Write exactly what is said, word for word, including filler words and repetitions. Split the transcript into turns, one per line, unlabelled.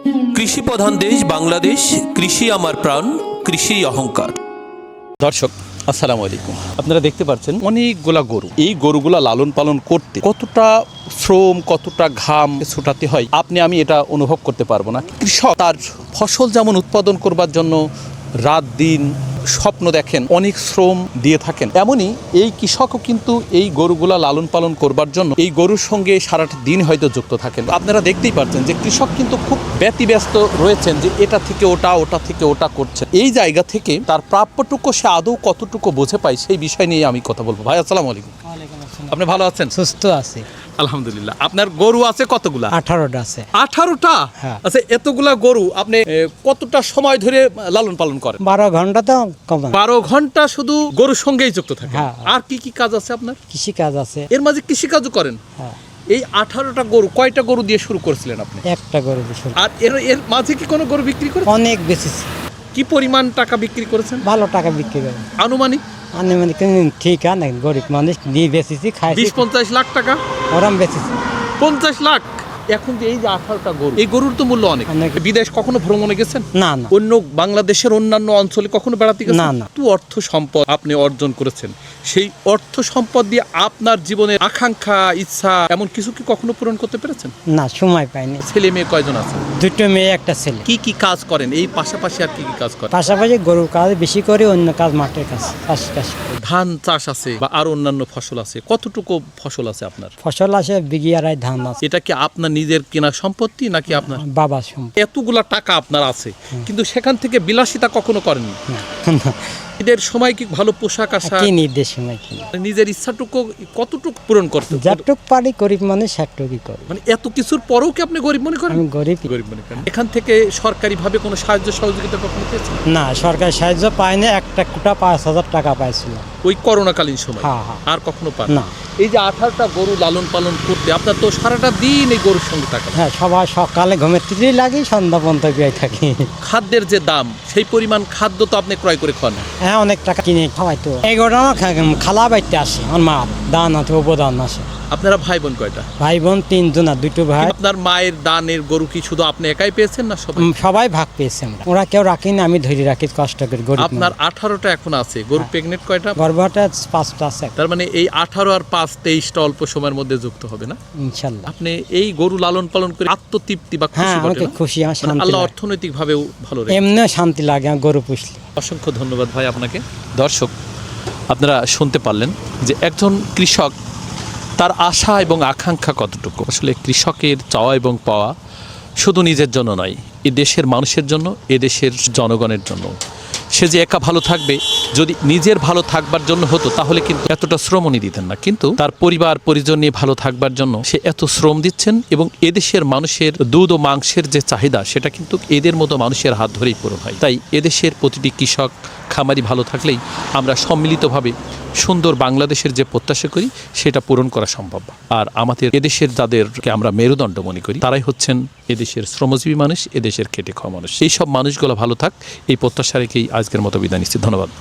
কৃষি প্রধান দেশ বাংলাদেশ, কৃষি আমার প্রাণ, কৃষি অহংকার।
দর্শক আসসালামু আলাইকুম। আপনারা দেখতে পাচ্ছেন অনেকগুলা গরু। এই গরুগুলা লালন পালন করতে কতটা শ্রম, কতটা ঘাম ছুটাতে হয় আপনি আমি এটা অনুভব করতে পারবো না। কৃষক তার ফসল যেমন উৎপাদন করবার জন্য রাত দিন স্বপ্ন দেখেন, অনেক শ্রম দিয়ে থাকেন, এমনই এই কৃষকও কিন্তু এই গরুগুলা লালন পালন করবার জন্য এই গরুর সঙ্গে সারাটা দিন হয়তো যুক্ত থাকেন। আপনারা দেখতেই পাচ্ছেন যে কৃষক কিন্তু খুব ব্যতিব্যস্ত রয়েছেন, যে এটা থেকে ওটা, ওটা থেকে ওটা করছে। এই জায়গা থেকে তার প্রাপ্যটুকু সে আদৌ কতটুকু বোঝে পায় সেই বিষয় নিয়ে আমি কথা বলবো। ভাই আসসালামু আলাইকুম। আপনি ভালো আছেন?
সুস্থ আছে
আলহামদুলিল্লাহ। আপনার গরু আছে কতগুলা?
আঠারোটা আছে।
আঠারোটা?
হ্যাঁ।
আচ্ছা, এতগুলা গরু আপনি এ, কতটা সময় ধরে লালন পালন করেন?
বারো ঘন্টা তো কম না।
বারো ঘন্টা শুধু গরুর সঙ্গেই যুক্ত থাকে?
হ্যাঁ।
আর কি কি কাজ আছে আপনার?
কৃষি কাজ আছে।
এর মাঝে কৃষি কাজও করেন?
হ্যাঁ।
এই আঠারোটা গরু কয়টা গরু দিয়ে শুরু করেছিলেন আপনি?
একটা গরু বিশাল।
আর এর এর মাঝে কি কোনো গরু বিক্রি করে?
অনেক বেশি,
কি পরিমাণ টাকা বিক্রি করেছেন
ভালো টাকা বিক্রি করে।
আনুমানিক?
আনে মানে ঠিক আছে, গরিব মানুষ নিয়ে বেশিছি, খাইছি,
বিশ পঞ্চাশ লাখ টাকা?
ওরাম বেশিছি।
পঞ্চাশ লাখ? এখন যে এই যে আঠারোটা গরু, এই গরুর তো মূল্য অনেক।
অনেক।
বিদেশ কখনো ভ্রমণে গেছেন?
না না
অন্য বাংলাদেশের অন্যান্য অঞ্চলে কখনো বেড়াতে গেছেন?
না, না।
তো অর্থ সম্পদ আপনি অর্জন করেছেন, সেই অর্থ সম্পদ দিয়ে আপনার জীবনের আকাঙ্ক্ষা, ইচ্ছা এমন কিছু কি কখনো পূরণ করতে পেরেছেন?
না, সময় পাইনি।
ছেলে মেয়ে কয়জন আছে?
দুটো মেয়ে একটা ছেলে।
কি কি কাজ করেন এই পাশাপাশি? আর কি কি কাজ করেন?
পাশাপাশি গরুর কাজ বেশি করি, অন্য কাজ মাঠের কাজ, চাষ কাজ করি।
ধান চাষ আছে বা আর অন্যান্য ফসল আছে? কতটুকু ফসল আছে আপনার?
ফসল আছে বিঘি আড়াই, ধান আছে।
এটা কি আপনার নিজের কেনা সম্পত্তি নাকি আপনার?
বাবা সম্পদ।
এতগুলা টাকা আপনার আছে, কিন্তু সেখান থেকে বিলাসিতা কখনো করেননি? ঈদের সময় কি ভালো পোশাক আশাক,
কি নির্দেশ সময় কিনি,
নিজের ইচ্ছাটুকু কতটুকু পূরণ করতে?
যতটুক পারি গরিব মানুষ সেটুকুই করি।
মানে এত কিছুর পরেও কি আপনি গরিব মনে করেন?
আমি গরিব
গরিব মনে করেন। এখান থেকে সরকারিভাবে কোনো সাহায্য সহযোগিতা কখনো পেয়েছেন?
না, সরকার সাহায্য পায়নি। একটা কোটা পাঁচ হাজার টাকা পাইছিল
ওই করোনাকালীন সময়?
হ্যাঁ, হ্যাঁ।
আর কখনো পান
না।
এই যে আঠারোটা গরু লালন পালন করতে আপনার তো সারাটা দিন এই গরুর সঙ্গে থাকা।
হ্যাঁ, সবাই সকালে ঘুমের থেকেই লাগি, সন্ধ্যা পর্যন্ত বিয়ে থাকি।
খাদ্যের যে দাম, সেই পরিমাণ খাদ্য তো আপনি ক্রয় করে খান।
হ্যাঁ, অনেক টাকা কিনে খাওয়াই তো। এই গোটা খালা বাইতে আসে, আমার মা দান আছে, উপদান আসে।
আপনারা ভাই বোন কয়টা?
ভাই বোন তিনজন, আর দুটো ভাই।
আপনার মায়ের দানের গরু কি শুধু আপনি একাই পেয়েছেন না সবাই?
উম, সবাই ভাগ পেয়েছে। আমরা ওরা কেউ রাখিনি, আমি ধরে রাখি কষ্ট করে। গরিব
আপনার আঠারোটা এখন আছে গরু। প্রেগনেন্ট কয়টা?
গর্ভটা পাঁচটা আছে।
তার মানে এই আঠারো আর পাঁচ তেইশটা অল্প সময়ের মধ্যে যুক্ত হবে না
ইনশাল্লাহ।
আপনি এই গরু লালন পালন করে আত্মতৃপ্তি বা খুশি
হ্যাঁ,
ঘটে
আমাকে
না?
খুশি, আমার
মানে
শান্তি
আল্লাহ
লাগে।
অর্থনৈতিক ভাবেও ভালো রেখেছে।
এমনিও শান্তি লাগে আমার গরু পুষলে।
অসংখ্য ধন্যবাদ ভাই আপনাকে। দর্শক আপনারা শুনতে পারলেন যে একজন কৃষক তার আশা এবং আকাঙ্ক্ষা কতটুকু। আসলে কৃষকের চাওয়া এবং পাওয়া শুধু নিজের জন্য নয়, এ দেশের মানুষের জন্য, এ দেশের জনগণের জন্য। সে যে একা ভালো থাকবে, যদি নিজের ভালো থাকবার জন্য হতো তাহলে কিন্তু এতটা শ্রম উনি দিতেন না, কিন্তু তার পরিবার পরিজন নিয়ে ভালো থাকবার জন্য সে এত শ্রম দিচ্ছেন। এবং এদেশের মানুষের দুধ ও মাংসের যে চাহিদা, সেটা কিন্তু এদের মতো মানুষের হাত ধরেই পূরণ হয়। তাই এদেশের প্রতিটি কৃষক খামারি ভালো থাকলেই আমরা সম্মিলিতভাবে সুন্দর বাংলাদেশের যে প্রত্যাশা করি সেটা পূরণ করা সম্ভব। আর আমাদের এদেশের যাদেরকে আমরা মেরুদণ্ড মনে করি, তারাই হচ্ছেন এদেশের শ্রমজীবী মানুষ, এদেশের খেটে খাওয়া মানুষ। এই সব মানুষগুলো ভালো থাক, এই প্রত্যাশা রেখেই আজকের মতো বিদায় নিচ্ছি। ধন্যবাদ।